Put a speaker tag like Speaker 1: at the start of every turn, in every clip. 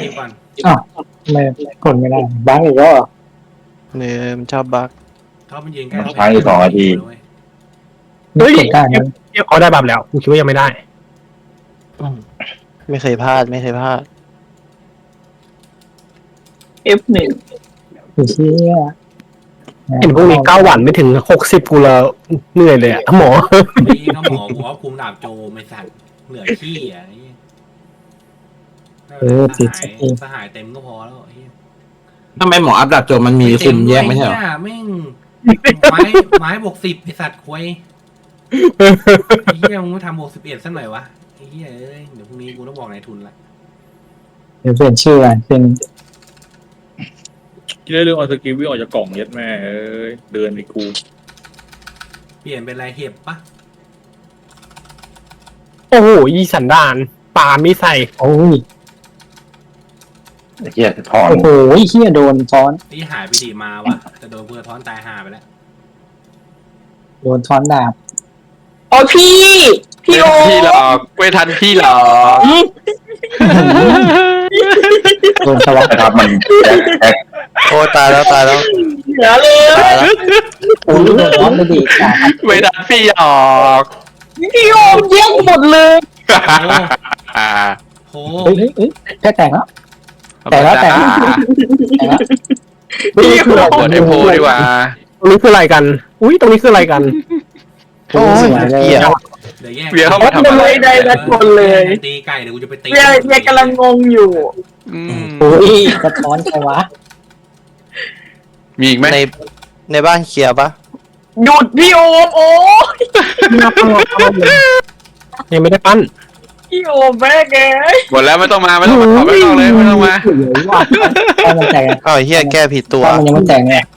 Speaker 1: ก่อน
Speaker 2: อ้าวไม่กดไม่ได้บ้างอีกแล้ว
Speaker 3: เนี่ยมันชอบบั๊ก
Speaker 1: ท็อปมันยืนใกล้
Speaker 4: ใช้อยู่2 นาที
Speaker 2: ไม่กดได้นะ
Speaker 5: เขาได้บัฟแล้วกูคิดว่ายังไม่ได้
Speaker 3: ไม่เคยพลาดไม่เคยพลาด
Speaker 6: F1
Speaker 2: เชี่ย
Speaker 5: เห็นพวกนี้9 วันไม่ถึง60กูแล้วเหนื่อยเลยอะหมอ
Speaker 1: นี่ก็หมอบอกว่าคุมดาบโจไม่สั่นเหลือขี้อ่ะสหายเต็มก็พอแล้ว
Speaker 7: ทำไมหมออัพดับโจมันมีคุมแยกไม่ใช่เหรอ
Speaker 1: แม่งไม้บวก10ไอสัตว์ควยไอ้เหี้ยมึงไม่ทำบวก11สักหน่อยวะไอ้เหี้ยเอ้ยเดี๋ยวพรุ่งนี้กูต้องบอกนายทุนละ
Speaker 2: เดี๋ยวเปลี่ยนชื่ออ่ะเป็น
Speaker 8: คิดได้เรื่องเอาสกิลวิ่งออกจากกล่องยัดแม่เอ้ยเดินไปกู
Speaker 1: เปลี่ยนเป็นอะไรเห็บปะ
Speaker 5: โอ้โหอีสันดานปาไม่ใส่
Speaker 2: โอ้ย
Speaker 4: ไอ้เหี้ยถอน
Speaker 2: โอ้โหเฮียโดนซ้อน
Speaker 1: นี่หายไปดีมาวะแต่โดนเพื่อท้อนตายหาไปแล้ว
Speaker 2: โดนซ้อนดาบ
Speaker 6: โอ้พี่โอ
Speaker 3: พี่หลอกไม่ทันพี่หลอก
Speaker 2: โดนสวัสดิ์
Speaker 4: นะครับมันแอค
Speaker 3: โอ้ตายแล้ว
Speaker 6: เหลือเลย
Speaker 3: ตายแล้ว
Speaker 2: โอ้ยโดนซ้อนไปดีจ้ะ
Speaker 3: ไม่ทันพี่หลอก
Speaker 6: พี่โอแย่งหมดเลย
Speaker 1: โห
Speaker 2: เฮ้ยแค่แต่งแล้วแต่งแล้ว
Speaker 6: พี่โอ
Speaker 3: กดไอโพดีกว่า
Speaker 5: ตรงนี้คืออะไรกัน อุ้ยตรงนี้คืออะไรกัน
Speaker 2: โอ้ยเลย
Speaker 3: เหี้ย
Speaker 1: เดี๋ยวแยก
Speaker 3: เวียเข้ามาทำอะไร
Speaker 6: ไม่ได้ละคนเลย
Speaker 1: ตีไก่เดี๋ยวกูจะไปตี
Speaker 6: เวียกำลังงงอยู่
Speaker 2: โอ้ยสะท้อนใครวะ
Speaker 3: มีอีกไหมในบ้านเคลียร์ปะ
Speaker 6: หยุดพี่โอมโอ้
Speaker 5: ยังไม่ได้ปั้น
Speaker 6: พี่โอมแม่แก
Speaker 3: หมดแล้วไม่ต้องมาไม่ต้องมาไม่ต้องเลยไม่ต้องมา
Speaker 2: ถ้ามันแต่ง
Speaker 3: อ้าวเฮียแก้ผิดตัว
Speaker 2: ถ้ามันยังไม่แต่งเนี่ย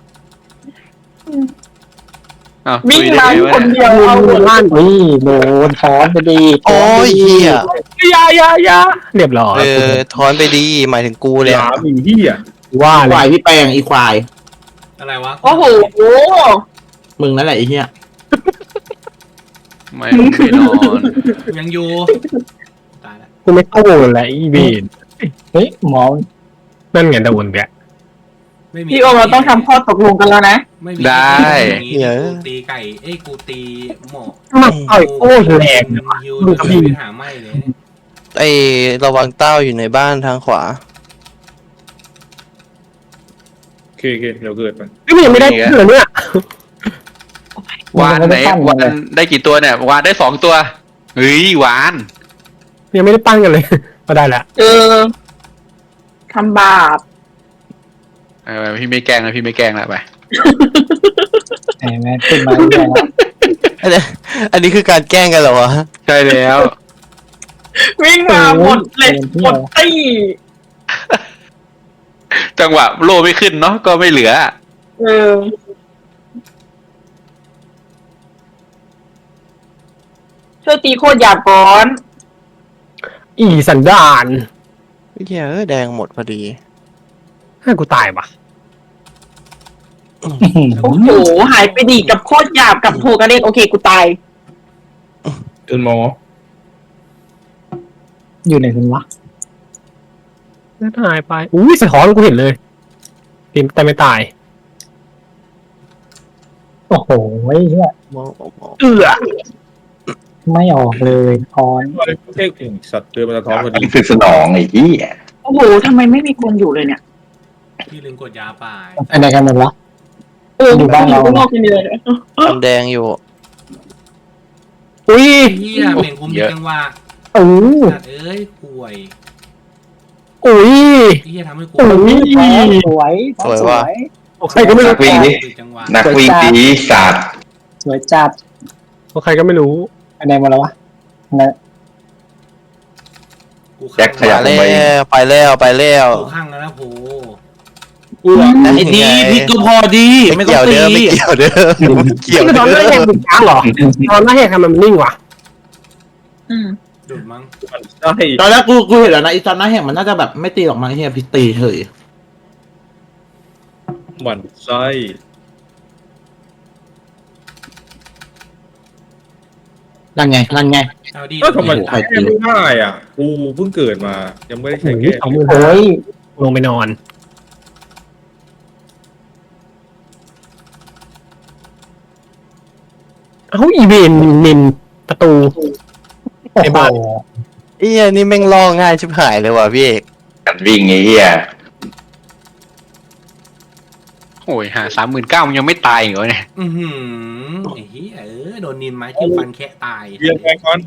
Speaker 6: วิ่งมาคนเดียวเอาหมด
Speaker 5: ล้าน
Speaker 2: นี่โดนซ้อนไปดี
Speaker 3: โอ้ยเฮีย
Speaker 5: ยาเรียบร้อย
Speaker 3: ถอนไปดีหมายถึงกูเลย
Speaker 8: หลามอีเหี้ย
Speaker 5: ว่า
Speaker 7: ค
Speaker 5: เล
Speaker 7: วาย
Speaker 5: ย
Speaker 7: พี่แปลงอีควาย
Speaker 1: อะไรวะ
Speaker 6: โอ้โห
Speaker 7: มึงนั่นแหละไอ้เหี้ย
Speaker 3: ไม่นอน
Speaker 1: ยังอยู่ตายแล้ว
Speaker 5: กูไม่เข้าโวนแล้วอีเวน
Speaker 2: เฮ้ยหมอ
Speaker 5: นั่นไงโดนแก
Speaker 1: ไม่มี
Speaker 6: พี่โอมเราต้องทำข้อตกลงกันแล้วนะ
Speaker 1: ไม่มีกูตีไก่เอ้ยกูตีหมอ
Speaker 5: มันต่อยโคตรแรง
Speaker 1: ฮิวทำให้หาไม่เลย
Speaker 3: ไอระวังเต้าอยู่ในบ้านทางขวา
Speaker 8: โอเคเดี๋ยวเกิดมัน
Speaker 5: นี่มันยังไม่ได้เลยเนี่ยว
Speaker 3: านไหนวานได้กี่ตัวเนี่ยวานได้2 ตัวเฮ้ยวาน
Speaker 5: ยังไม่ได้ปั้นกันเลยก็ได้แล้ว
Speaker 6: ทำบาป
Speaker 3: พี่ไม่แกล้งนะพี่ไม่แกล้งละไป
Speaker 2: แหมขึ้นมาเรื่อยแล้ว
Speaker 3: อันนี้คือการแกล้งกันเหรอวะใช่แล้ว
Speaker 6: วิ่งมาหมดเลยหมดตี้
Speaker 3: จังหวะโล่ไม่ขึ้นเนาะก็ไม่เหลือ
Speaker 6: ช่วยตีโคตรหยาบก่อน
Speaker 5: อีสันดาน
Speaker 3: เฮียแดงหมดพอดี
Speaker 5: ให้กูตายปะ
Speaker 6: โอ้โหหายไปดีกับโคตรหยาบกับโทกระเด็นโอเคกูตาย
Speaker 8: จนหมอ
Speaker 2: อยู่ไหนกันวะ
Speaker 5: แล้วหายไปอุ้ยสะท้อนกูเห็นเลยทีมแต่ไม่ตาย
Speaker 2: โอ้โหเฮีย
Speaker 5: เอื้อ
Speaker 2: ไม่ออกเลยซ้อน
Speaker 8: เท่งสัตว์เดินมาสะท้อนพอดี
Speaker 4: นี่คือสนองไอ้เหี้ย
Speaker 6: โอ้โหทำไมไม่มีคนอยู่เลยเนี่ย
Speaker 1: พี่ลืมกดยาป่าย
Speaker 2: ไปไหนกันหมดวะ อยู่บ้านเรา
Speaker 6: ข้างนอกกันเลย
Speaker 3: มันแดงอยู่
Speaker 5: อุ้ย
Speaker 1: เฮียเบ่งคุมจังหวะ
Speaker 5: โอ้
Speaker 1: สัตว์เอ้ยป่วย
Speaker 5: อุ้ย
Speaker 1: เฮียทำให้กู
Speaker 2: สวย
Speaker 3: สวยว่ะ
Speaker 5: ใครก็ไม่รู้
Speaker 4: นักวิ่งดิ
Speaker 1: จังหวะ
Speaker 4: นักวิ่งตีศาสตร์
Speaker 2: สวยจัด
Speaker 5: ใครก็ไม่รู้
Speaker 2: ไปไหนหมดแล้ววะนะ
Speaker 4: แจ็คขยับลงไป
Speaker 3: ไปแล้ว
Speaker 1: กูข้างแล้วนะโห
Speaker 7: ไอ้ดีพี่ก็พอดีไม่ต้องตี
Speaker 3: ไม่เกี่ยวเด้อไม่เกี่ยว
Speaker 5: คือตอนหน้าแหกมันช้างเหรอตอนหน้าแหกทำไมมันนิ่งวะ
Speaker 1: ดุดมั้ง
Speaker 8: ใช่
Speaker 7: ตอนแรกกูเห็นแล้วนะไอ้ตอนนั้นเห็นมันน่าจะแบบไม่ตีหรอกมั้งไอ้เหี้ยพี่ตีเฉย
Speaker 8: หมั่นไส้
Speaker 1: เ
Speaker 7: นั่นไง
Speaker 1: เอาดี
Speaker 8: ก็ทำไม
Speaker 7: ใคร
Speaker 8: แก้ไม่ได้อ่ะกูเพิ่งเกิดมา ยังไม่ได้
Speaker 5: โอ้
Speaker 8: ใช้
Speaker 5: ย
Speaker 8: แก้
Speaker 5: สองหมื่น
Speaker 2: โอ้ย
Speaker 5: ลงไปนอนเอ้าอีเวนนินประตู
Speaker 2: โอ้
Speaker 5: ไอ้
Speaker 2: โห
Speaker 5: บ้า
Speaker 3: เอี้ยนี่แม่งล่อง่ายชิบหายเลยว่ะพี่เอก
Speaker 4: กันวิ่งไอ้เหี้ย
Speaker 3: โอ้ยหา39,000มันยังไม่ตายเหรอเนี่ย
Speaker 1: อือหือไอ้เหี้ยโดนนินไม้จิ้มฟันแคะตาย
Speaker 8: เรียงไปก่อน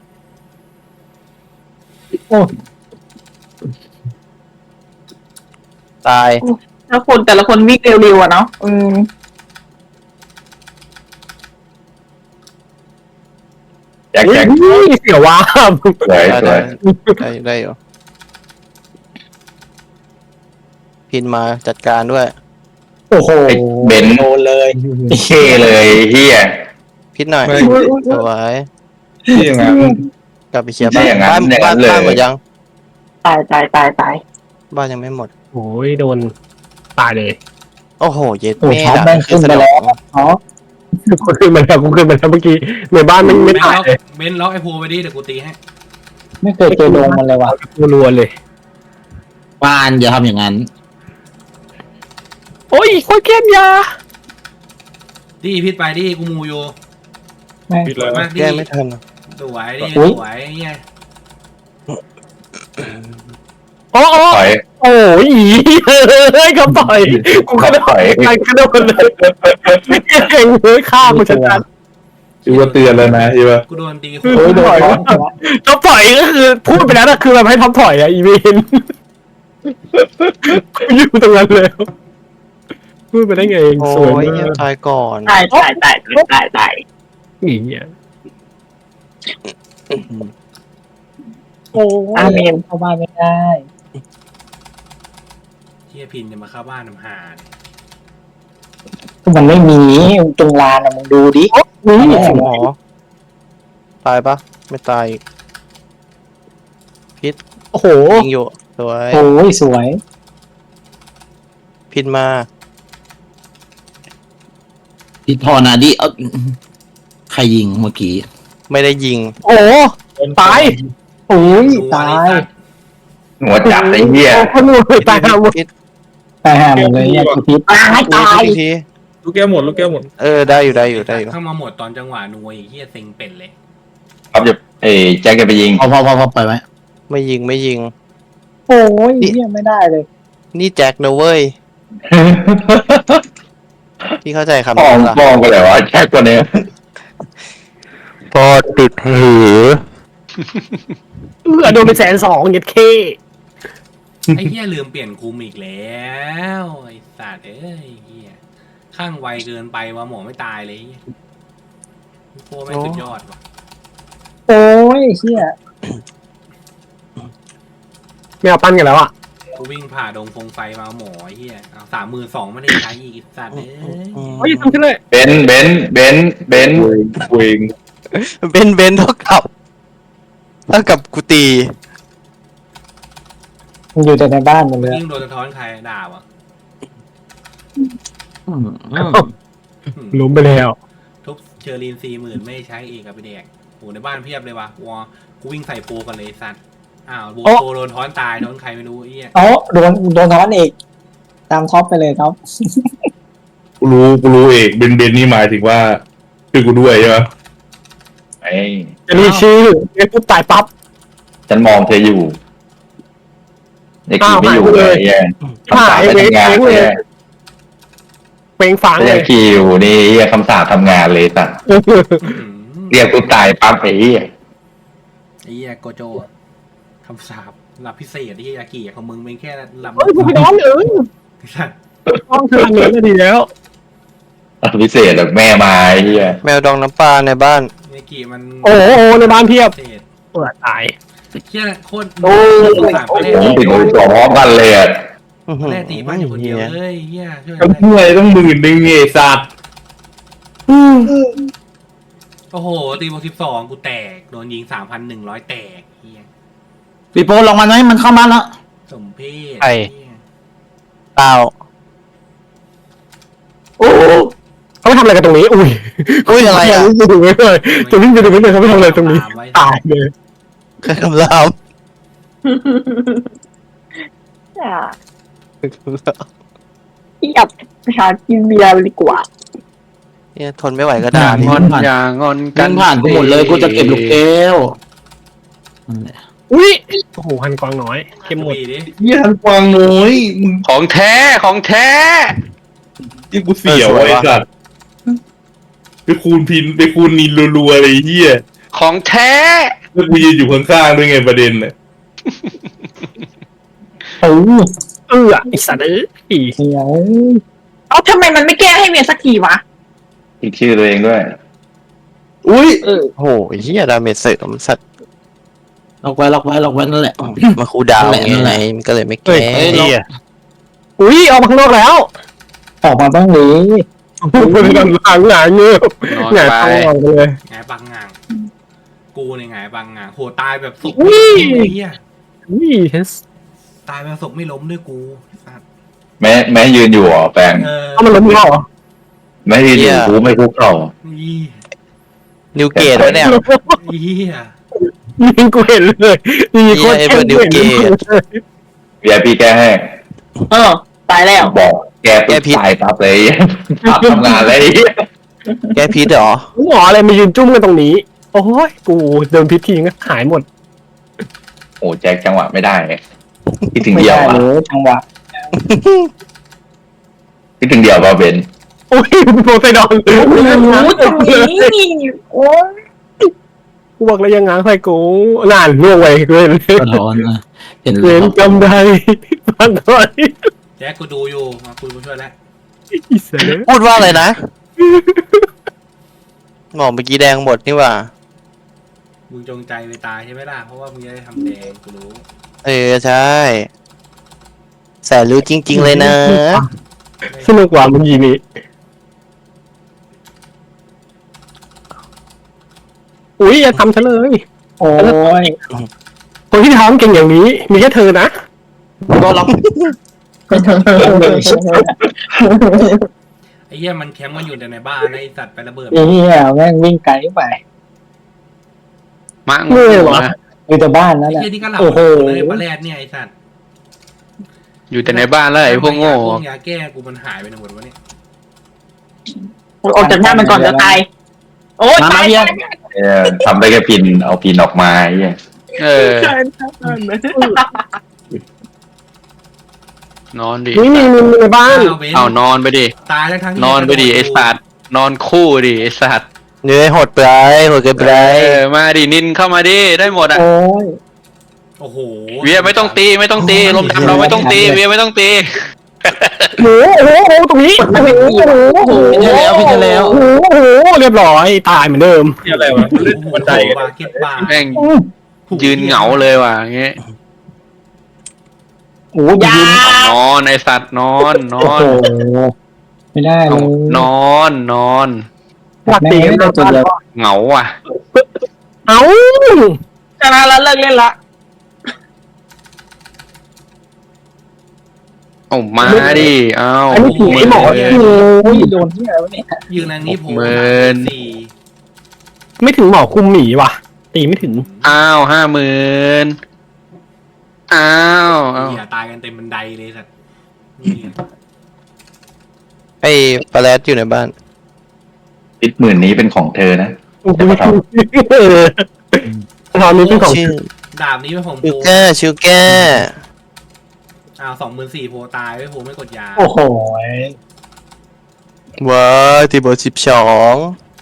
Speaker 3: ตาย
Speaker 6: แล้วคนแต่ละคนวิ่งเร็วๆอ่ะเนาะ
Speaker 4: แจ็คแจ็ค
Speaker 5: อุ้ยเสียวว่า
Speaker 4: สวยสวย
Speaker 3: ได้อยู่พินมาจัดการด้วย
Speaker 2: โอ้โห
Speaker 4: ไอ้เบนซ์
Speaker 7: โดนเลย
Speaker 4: เท่เลยเฮีย
Speaker 3: พินหน่อยสวย
Speaker 8: ที่อย่างนั้น
Speaker 3: กลับไปเคลียร์บ้า
Speaker 4: ไม่อย่างนั้น
Speaker 3: นบ้าน
Speaker 4: อย่างนั้นเลย
Speaker 3: บ้านหมดยัง
Speaker 6: ตาย
Speaker 3: บ้านยังไม่หมด
Speaker 5: โอ้ยโดนตายเลย
Speaker 3: โอ้โหเย็ด
Speaker 2: โอ้
Speaker 3: แม่
Speaker 2: ท็อปแม่งขึ้นไปแล้วท็อป
Speaker 5: กูขึ้นมาแล้วเมื่อกี้ในบ้านมันไม่
Speaker 1: เบน
Speaker 5: ตาย
Speaker 1: ล็อก
Speaker 5: เลย
Speaker 1: เบนล็อกไอ้โพไปดิเดี๋ยวกูตีให้
Speaker 2: ไม่เคยเจอโดงมันเลยว่ะ
Speaker 5: กูรัวเลย
Speaker 7: บ้านอย่าทำอย่างนั้น
Speaker 5: โอ้ยโคตรเข้มยา
Speaker 1: ดิพิษไปดิกูมูอยู่
Speaker 2: แม่ง
Speaker 8: ปิด
Speaker 1: ส
Speaker 8: เล
Speaker 1: วย
Speaker 8: ย
Speaker 1: มากดิ
Speaker 3: แก้ไม่ทัน
Speaker 1: สวยดิ
Speaker 2: อุ๊ย
Speaker 1: สวยเหี้ย
Speaker 5: โอ้โอ้
Speaker 4: ถอย
Speaker 5: โอ้ยเฮ้ยเขาต่อยกูกระโดด
Speaker 4: ถอย
Speaker 5: ไปกระโดดเลยเก่งเลยฆ่ากูชัด
Speaker 8: อีว่าเตือนแล้วนะอีว่า
Speaker 1: กูโดนตีโค
Speaker 2: โอ้ยโดนท็อป
Speaker 5: ๆท็อปต่อยก็คือพูดไปแล้วนะคือแบบให้ท็อปต่อยอะอีเวนกูอยู่ตรงนั้นเลยพูดไปได้ไงเอง
Speaker 3: โอ้
Speaker 5: สวย
Speaker 3: ย
Speaker 5: มาก
Speaker 3: ตายก่อน
Speaker 6: ตาย
Speaker 5: อย่างเงี้ย
Speaker 2: โอ้ย
Speaker 6: อาเมน
Speaker 2: เข้าบ้านไม่ได้
Speaker 1: เหี้ยพินจะมาเข้าบ้านน้ำหาเนี่ย
Speaker 2: มันไม่มีตรงลานอะมึงดูดิ
Speaker 5: นี่
Speaker 3: หมอตายปะไม่ตายอีก
Speaker 5: โอ้โห
Speaker 3: ยิงอยู่สวย
Speaker 2: โอ้ยสวย
Speaker 3: พินมา
Speaker 7: พี่พอนาดิเอาใครยิงเมื่อกี้
Speaker 3: ไม่ได้ยิง
Speaker 5: โอ้ตาย
Speaker 2: โอ้ย
Speaker 1: ดู
Speaker 2: ตา
Speaker 1: อันนี้
Speaker 2: ย
Speaker 1: สัตว์
Speaker 4: หัวจับไอ้เหี้ย
Speaker 5: โอ้คนหนูตายหมด
Speaker 3: พิษ
Speaker 2: ตายห่าหมดเลยเนี่ยคือพิษ
Speaker 6: ตาย
Speaker 3: อีกที
Speaker 8: ลูกแก้วหมดลูกแก้วหมด
Speaker 3: ได้อยู่ได้อยู่
Speaker 1: เข้ามาหมดตอนจังหวะนัวไอ้เหี้ยเซ็งเป็นเลย
Speaker 4: ครับจะแจ็คจะไปยิง
Speaker 7: พอไปไหม
Speaker 3: ไม่ยิง
Speaker 2: โอ้ยเนี่ยไม่ได้เลย
Speaker 3: นี่แจ็คนะเว้ยพี่เข้าใจคำ
Speaker 4: มอ
Speaker 3: นี้
Speaker 4: ง
Speaker 3: ปะ
Speaker 4: มองไปเลยวะแจ็คตัวเนี้ย
Speaker 3: พอติดหือ
Speaker 5: โดนไป120,000เย็ดเค
Speaker 1: ไอ้เหี้ยลืมเปลี่ยนคุมอีกแล้วไอ้สัตว์เอ้ยไอ้เหี้ยข้างไวเกินไปว่ะหมอไม่ตายเลยไอ้เหี้ยโคแม่งสุดยอดว่ะ
Speaker 2: โอ้ยเชี่ย
Speaker 5: ไม่เอาปั้นกันแล้วอ่ะ
Speaker 1: กูวิ่งผ่าดงฟงไฟมาเอาหมอไอ้เหี้ยเอา32,000ไม่ได้ใช้อีกไอ้สัตว์เอ้ย
Speaker 5: โอ้ยทำขึ้นเลย
Speaker 4: เบนซ์เบนซ์
Speaker 8: เวง
Speaker 3: เบนเท่ากับกูตี
Speaker 2: มันอยู่แต่ในบ้านหมดเลย
Speaker 1: ยิ่งโดนสะท้อนใครด่าวะ
Speaker 5: ล้มไปแล้ว
Speaker 1: ทุบเชอรีน40,000ไม่ใช้อีกกับไปแดกโหในบ้านเพียบเลยวะวอกูวิ่งใส่โปรกันเลยไอ้สัตว์อ้าวโบโปรโดนท้อนตายโดนใครไม่รู้ไอ้เหี้ย
Speaker 2: เอ้าโดนท้อนอีกตามท็อปไปเลยท็อป
Speaker 8: กูรู้เอกเบนนี่หมายถึงว่าคือกูด้วยใช่ไหม
Speaker 4: ไอ้
Speaker 5: จะรีชื่อไอ้ปุ๊บตายปั๊บ
Speaker 4: ฉันมองเธออยู่เด็กขี่ไม่อยู่เลยไอ้เหี้ยคำสาปไปทำงานเลย
Speaker 5: เปล่งฝัง
Speaker 4: แต่
Speaker 5: เล
Speaker 4: ยัง
Speaker 5: ย
Speaker 4: ขี่อยู่นี่ไอ้เหี้ยคำสาปทำงานเลยสัตว์เรียกกูตายปั๊บไอ้เหี้ย
Speaker 1: ไอ้เหี้ยโกโจอะคำสาปหลับพิเศษไอ้เหี้ยยากิของมึงเป็นแค่ลำ
Speaker 5: เฮ้ยกูไปนอนเลย
Speaker 1: ไอ้สัตว์
Speaker 5: ต้องเธอเงินก็ดีแล้ว
Speaker 4: พิเศษแบบแม่มาไอ้เหี้ย
Speaker 3: แมวดองน้ำปลาในบ้าน
Speaker 1: ยากิมัน
Speaker 5: โอ้โหในบ้านเพียบ
Speaker 1: พิเศษ
Speaker 5: เปิดตาย
Speaker 1: เหี้ยโคตร
Speaker 2: โอ้ย
Speaker 1: สงสารก็เลย
Speaker 4: ผมติดมือสองพร้อมกันเลยอ่ะ
Speaker 1: แรกตีบ้านอยู่คนเดียวเลยเหี้ยช่วย
Speaker 8: ก็เมื่อยต้อง10,000ไอ้สัตว์
Speaker 1: โอ้โหตีบวก12กูแตกโดนยิง3,100แตกเหี้ย
Speaker 7: พี่โปลองมันไหมมันเข้ามาแล้ว
Speaker 1: สมเพศ
Speaker 3: ไอ้
Speaker 1: เหี้ย
Speaker 3: เปล่า
Speaker 2: โอ้
Speaker 5: เขาไปทำอะไรกันตรงนี้อุ้ย
Speaker 3: อุ้ยอะไรอ่ะ
Speaker 5: จะดูไม่เลยจะวิ่งไปดูไม่เลยเขาไปทำอะไรตรงนี้ตายเลย
Speaker 3: คำราม
Speaker 6: ที่อับหากินเบียร์ดีกว่า
Speaker 3: เนี่ยทนไม่ไหวก็
Speaker 7: ด่า
Speaker 3: ด่าง
Speaker 7: อนอย่างอนกั
Speaker 8: กัน นผ่านกูหมดเลยกูจะเก็บลูกแก้ว
Speaker 2: นั่นแหละ
Speaker 5: อุ้ยโอ้โหหันกวางน้อยเก็บหมด
Speaker 1: ปีดิ
Speaker 8: เยี่ยนกวางน้อยมึง
Speaker 7: ของแท้ของแท้
Speaker 8: ที่กูเสียวไอ้สัตว์ไปคูณพินไปคูณนินรัวๆอะไรเฮีย
Speaker 7: ของแท้
Speaker 8: แล้วกูยืนอยู่ข้างๆด้วยไงประเด็นน่ะ
Speaker 2: โอ้
Speaker 5: ไอสัตว์เอ้ย
Speaker 2: เสียว
Speaker 6: เอาทำไมมันไม่แก้ให้เมียสักทีวะ
Speaker 4: อีกชื่อตัวเองด้วย
Speaker 8: อุ้ย
Speaker 3: โอ้โหเหี้ยดาเมจเสริมสัตว์
Speaker 2: ล็อกไว้นั่นแหละ
Speaker 3: มาคูลดาวน์
Speaker 2: นั่นแหละ
Speaker 3: ไงมันก็เลยไม่
Speaker 5: เฮ้
Speaker 3: แก้
Speaker 5: ยอุ้ยออกมาข้างนอกแล้ว
Speaker 2: ออกมาบ้างเลย
Speaker 5: คนกำลังหงายเงือบ
Speaker 7: นอน
Speaker 5: หงาย
Speaker 7: ไป
Speaker 5: ท้องออกไปเลย
Speaker 1: ไงปังงางกูเนี่ยไงปังงางโหตายแบบศพ
Speaker 5: อุ้ย
Speaker 1: ไอ้เหี้ย
Speaker 5: อุ้ยเฮส
Speaker 1: ตายแบบศพไม่ล้มด้วยกูสัตว์
Speaker 4: แม้ยืนอยู่อ่ะแปลง
Speaker 5: เอามันล้มแล้วเหรอ
Speaker 4: แม้ยืนอยู่กูไม่คุกเข่า
Speaker 1: ยี่
Speaker 3: นิวเกตวะเนี่ย
Speaker 1: เหี้ย
Speaker 5: ยิงกูเห็นเลยยิงโคตร
Speaker 3: เหี้ยไอ้เบิร์ดนิวเกต
Speaker 4: VIP แก้ให้
Speaker 6: ตายแล้ว
Speaker 4: บอกแกปุ๊บตายปั๊บเลยปั๊บทำงานเลย
Speaker 3: แก้พิษเหรอ
Speaker 5: หมออะไรมายืนจุ้มกันตรงนี้ โอ้ยกูเดินพิษทีก็หายหมด
Speaker 4: โอ้แจ็คจังหวะไม่ได้คิดถึง
Speaker 2: ไม่
Speaker 4: เดียว
Speaker 2: ได้
Speaker 4: อ่ะ
Speaker 2: เลยจังหวะ
Speaker 4: คิดถึงเดียวป่ะเบน
Speaker 5: โอ้ยโปไซดอน
Speaker 6: โอ้โหตรงนี้โอ้ย
Speaker 5: กูบอกแล้วยังง้างใส่กูนานล่วงไปเกิน
Speaker 2: สะท้อนนะเห็น
Speaker 5: เล่นกำไดฟันหน่อย
Speaker 1: แจ็คกูดูอยู่มาคุยกูช่วยแล้ว
Speaker 5: อีเสือ
Speaker 3: พูดว่าอะไรนะหมอเมื่อกี้แดงหมดนี่หว่า
Speaker 1: มึงจงใจไปตายใช่ไหมล่ะเพราะว่ามึงจะได้ทำแดงกูรู้
Speaker 3: เออใช่แสนรู้จริง ๆ เลยนะ
Speaker 5: สนุกกว่ามึงยิงนี่อุ้ยอย่าทำฉันเลย
Speaker 2: โอ้ย
Speaker 5: คนที่ท้องเก่งอย่างนี้ มีแค่เธอนะ
Speaker 3: ก็ล็อก
Speaker 1: ไอ้เหี้ยมันแคมป์มันอยู่แต่ในบ้านนะไอ้สัตว์ไประเบิด
Speaker 2: ไอ้เหี้ยแม่งวิ่งไกลไป
Speaker 7: มั่ง
Speaker 5: เมื่อยเหรอ
Speaker 7: นะ
Speaker 2: อยู่แต่บ้านนั่
Speaker 1: ไอ้
Speaker 2: นแหละ
Speaker 1: เหี้ยนี่ก็หลับ
Speaker 2: โอ้โห
Speaker 1: เลยปลาแรดเนี่ยไอ้สัตว์
Speaker 7: อยู่แต่ในบ้านแล้วไอ้พวกโง่
Speaker 1: พวกยาแก้กูมันหายไปหมดวะเนี่ย
Speaker 6: ออกจากหน้ามันก่อนจะตาย โอ้ยตาย
Speaker 4: ทำได้แค่พินเอาพินออกมาไอ้เหี้ย
Speaker 7: เออ นอนดิ
Speaker 5: นี่มีในบ้าน
Speaker 1: เบน
Speaker 7: เอานอนไปดิ
Speaker 1: ตายทั้งที่
Speaker 7: นอนไปดิไอ้สัตว์นอนคู่ดิไอ้สัตว์
Speaker 3: เนื้อหดไปหดเกินไป
Speaker 7: มาดินินเข้ามาดิได้หมดอ่ะ
Speaker 2: โอ้ย
Speaker 1: โอ้โห
Speaker 7: เวียไม่ต้องตีไม่ต้องตีลมดำเราไม่ต้องตีเวียไม่ต้องตี
Speaker 5: โอ้โหตรงนี้โอ้โหโอ้โห
Speaker 2: พี่จะแล้ว
Speaker 5: โอ้โหเรียบร้อยตายเหมือนเดิม
Speaker 8: นี่อะไรวะเล่นบันไดกัน
Speaker 1: บาเก็ตบาร์
Speaker 7: แม่งยืนเหงาเลยว่ะอย่างเงี้ย
Speaker 2: โอ้ยยืน
Speaker 7: นอนไอสัตว์นอนน
Speaker 2: โอ้
Speaker 7: อน
Speaker 2: โหไม่ได้เลย
Speaker 7: นอนนอน
Speaker 5: หลักตีกันตัวเดียว
Speaker 7: เหงาว่ะ
Speaker 5: เอ้า
Speaker 6: ชนะแล้วเลิกเล่นละ
Speaker 7: เอามาดิเอา
Speaker 5: อันนี้ผีไอ้หมอ
Speaker 7: เ
Speaker 2: โอ้ยโดนที่อะไรวะเนี่ย
Speaker 1: ยืนอันนี้โผล่
Speaker 7: หมื่
Speaker 1: มาน สี่
Speaker 5: ไม่ถึงหมอคุมหมีว่ะ ตีไม่ถึง
Speaker 7: อ้าว50,000อ้าวอ้าว
Speaker 1: เหี้ยตายกันเต็มบันไดเลยสัตว์นี่
Speaker 3: ไอ้ปลาแรดอยู่ในบ้าน
Speaker 4: พิษหมื่นนี้เป็นของเธอนะ
Speaker 5: ตอนนี้เป็นของ
Speaker 3: ชื่อ
Speaker 1: ดาบนี้เป็นของ
Speaker 3: ชิ
Speaker 1: โพ
Speaker 3: วก้าชิวก้า
Speaker 1: 24,000โพตายไว้โพไม่กดยา
Speaker 2: โอ้โห
Speaker 3: ว้าวที่เบอร์12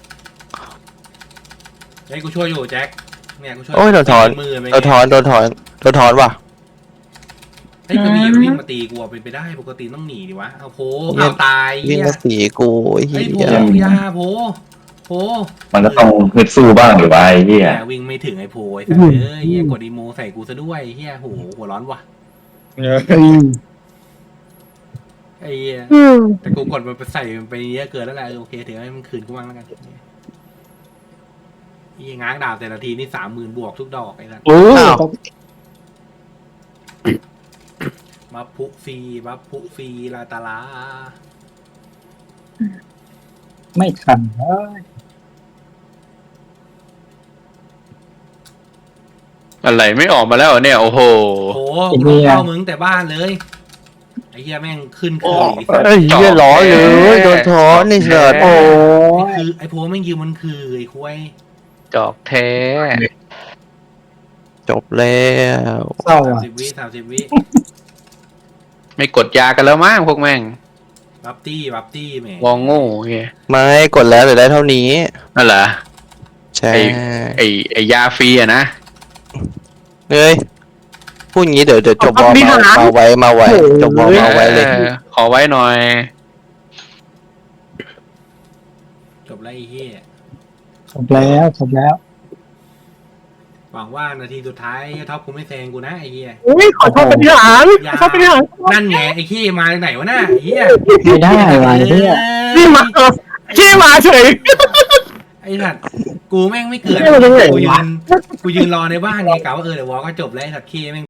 Speaker 1: เฮ้ยกูช่วยอยู่แจ็คเนี่ยกูช่วย
Speaker 3: โอ้ยโดนถอน
Speaker 1: มือไป
Speaker 3: โดนถอนว่ะ
Speaker 1: เฮ้ยก็มีวิ่งมาตีกูเป็นไปได้ปกติต้องหนีดิวะเอาโพเอาตาย
Speaker 3: วิ่ง
Speaker 1: เหี้ย
Speaker 3: มาสีกูไอ้
Speaker 1: เฮ้ย
Speaker 3: เหี้
Speaker 1: โพ
Speaker 3: ย
Speaker 1: ยาโพ
Speaker 4: มันก็ต้องฮึดสู้บ้างหรือว่าไอ้เหี้ย
Speaker 1: แต่วิ่งไม่ถึงไอ้โพไอ้สัตว์เอ้ยเหี้ยกดอีโมใส่กูซะด้วยเหี้ยโหหัวร้อนว่ะไอ้เหี้ยแต่กูกดมันไปใส่มันไปเยอะเกินแล้วแหละโอเคถือให้มันคืนกูบ้างแล้วกันยี่ง้างดาบแต่ละทีนี่30,000 บวกทุกดอกไอ้สัส
Speaker 5: โอ้
Speaker 1: บัฟพุฟรีลาตาลา
Speaker 2: ไม่ทันเฮ้ย
Speaker 7: อะไรไม่ออกมาแล้วเหรอเนี่ย โอ้โห
Speaker 1: โอ้โหกูเข้ามึงแต่บ้านเลยไอ้เหี้ยแม่งขึ้นคือไอ้สัตว์
Speaker 3: เอ้ยเหี้ยร้อนเลยโดนท้อนนี่เสิร์ต
Speaker 2: โอ้
Speaker 1: ไอ้
Speaker 2: ย
Speaker 1: คือไอ้โพแม่งยืมมันคือไอ้ควาย
Speaker 7: จอกแท้
Speaker 3: จบแล้ว
Speaker 2: เศร้า
Speaker 1: 30 วิ
Speaker 7: ไม่กดยากันแล้วมั้งพวกแม่ง
Speaker 1: บับตี้แหม
Speaker 7: วองโง่เงี้ย
Speaker 3: ไม่กดแล้วเหลือได้เท่านี้
Speaker 7: นั่นเหรอ
Speaker 3: ใช่
Speaker 7: ไอยาฟรีอะนะ
Speaker 3: เฮ้ยพูดงี้เดี๋ยวจบบอลมาไว้จบบอลมาไว้เลย
Speaker 7: ขอไว้หน่อย
Speaker 1: จบแล้วไอ้เหี้ย
Speaker 2: จบแล้ว
Speaker 1: หวังว่านาทีสุดท้ายท็อปกูไม่แซงกูนะไอ้เหี้ย
Speaker 5: อุ้ยขอโทษเป็นที่หารขอโทษเป็นที่หาร
Speaker 1: นั่นไงไอ้ขี้มาจากไหนวะน่ะไอ้เหี้ย
Speaker 2: ไม่ได้ว่ะเนี่ย
Speaker 5: นี่มาขี้มาเฉย
Speaker 1: ไอ้สัตว์กูแม่งไม่เกิด
Speaker 5: ไม่รู้ได้ไงวะ
Speaker 1: กูยืนรอในบ้านไงกะว่าเดี๋ยววอลก็จบแล้วไอ้สัตว์ขี้แม่ง